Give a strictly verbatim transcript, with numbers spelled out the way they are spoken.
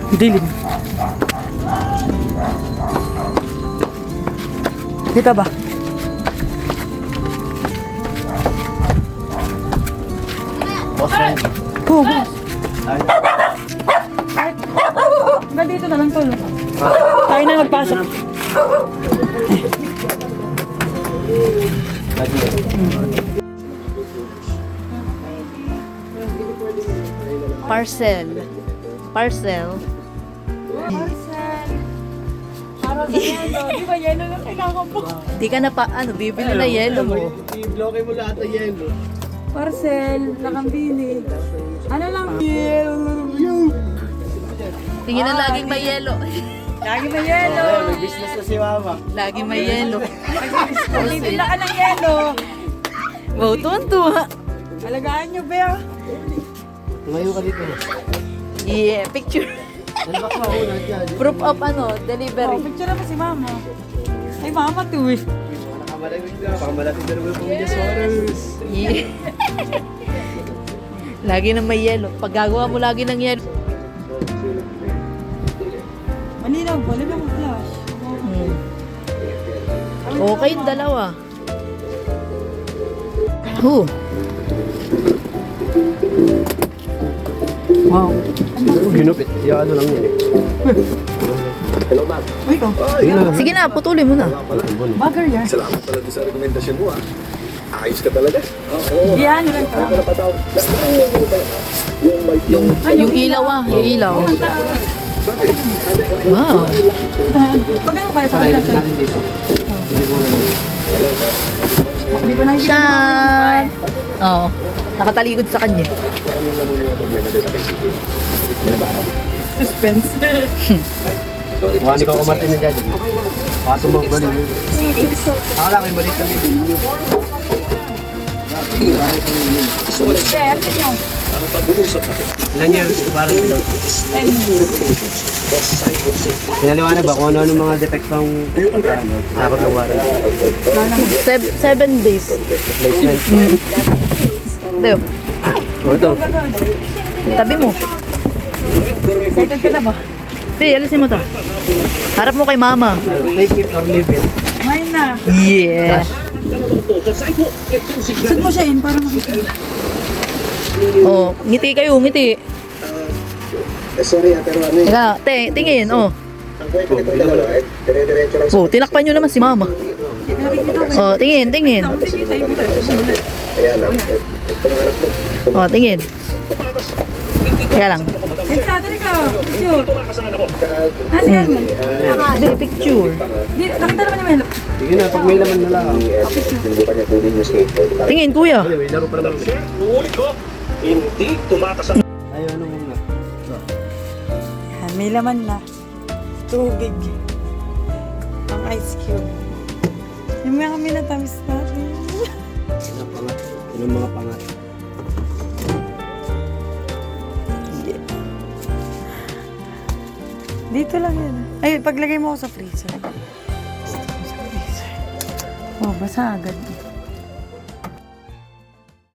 Dilim. Kita ba? Boss Randy. Oo, boss. Ay, Hanggang dito na lang, tol. Tayo na magpasok. lagi. Parcel. Parcel. Para sa yelo. Di ba yelo lang kailangan mo? Di ka na pa, ano, bibili na yelo mo. I-bloke mo lahat ng yelo. Parcel, nakambili. Ano lang? Yelo. Tingin na laging may yelo. Lagi may yelo. Ay, may business na si mama. Laging may yelo. Bibila ka ng yelo. Wow, tuwan-tuwa. Alagaan nyo, Bea. Tumayo ka dito. Yeah, picture. Ano ba ka una dyan? Proof of ano, Oh, delivery. picture naman si mama. Ay, mama to eh. Nakamalamig ka. Pakamalapit na naman po niya sa oras. Yeah. Lagi na may yelo. Pag gagawa mo lagi ng yelo. Malinaw ba? Lagyan mo flash. Hmm. Okay yung dalawa. Huh. Wow. Ginupit. Yung ano lang yun eh. Hello, ma'am. Uy, oh. Sige na, putulin mo na. Bagger yan. Salamat pala doon sa rekomendasyon mo ah. Ayos ka talaga. Oo. Yan, yan ka. Yung may yung Yung ilaw ah, yung ilaw. Wow. Pag ano kaya sa kanila? Hindi ko nakikita. Shan! Oo. Nakatalikod sa kanya. Suspense. Mukha ko kumatin na dyan. Paso mo ba rin? Ako lang, may maliit kami. Chef, yun. Ilan years? Parang ito. Pinaliwanag ba kung ano-ano mga depektong nakakot ng water? Seven, seven days. Placement. Deo, O ito. tabi mo. Excited ka na ba? Di, alisin mo to. Harap mo kay mama. Take it or leave it. Ngayon na. Yeah. Saan mo siya in para makita? Oh, ngiti kayo, ngiti. eh, sorry ah, pero ano eh. Teka, te, tingin, oh. Ang kwento nito dalawa eh. Dire-diretso lang sa Oh, tinakpan nyo naman si mama. Oh, tingin, tingin. kaya lang. eh, Ito ng anak mo. Oh, tingin. Kaya lang. Eh, natin ikaw. Picture. Nasi yan. Hindi, picture. Di, nakita naman yung Melo. Sige na, pag may laman na lang. Sinubukan niya kunin yung skateboard. Tingin, kuya. Ano, may laro pa naman. Hindi tumakas ang Ayaw, ano muna. Yan, may laman na. Tubig. Ang ice cube. Yung mga kami natamis natin. Ano ang pangat? Ano ang mga pangat? Dito lang yan. Ay, paglagay mo ako sa freezer. Gusto ko sa freezer. Oh, basa agad.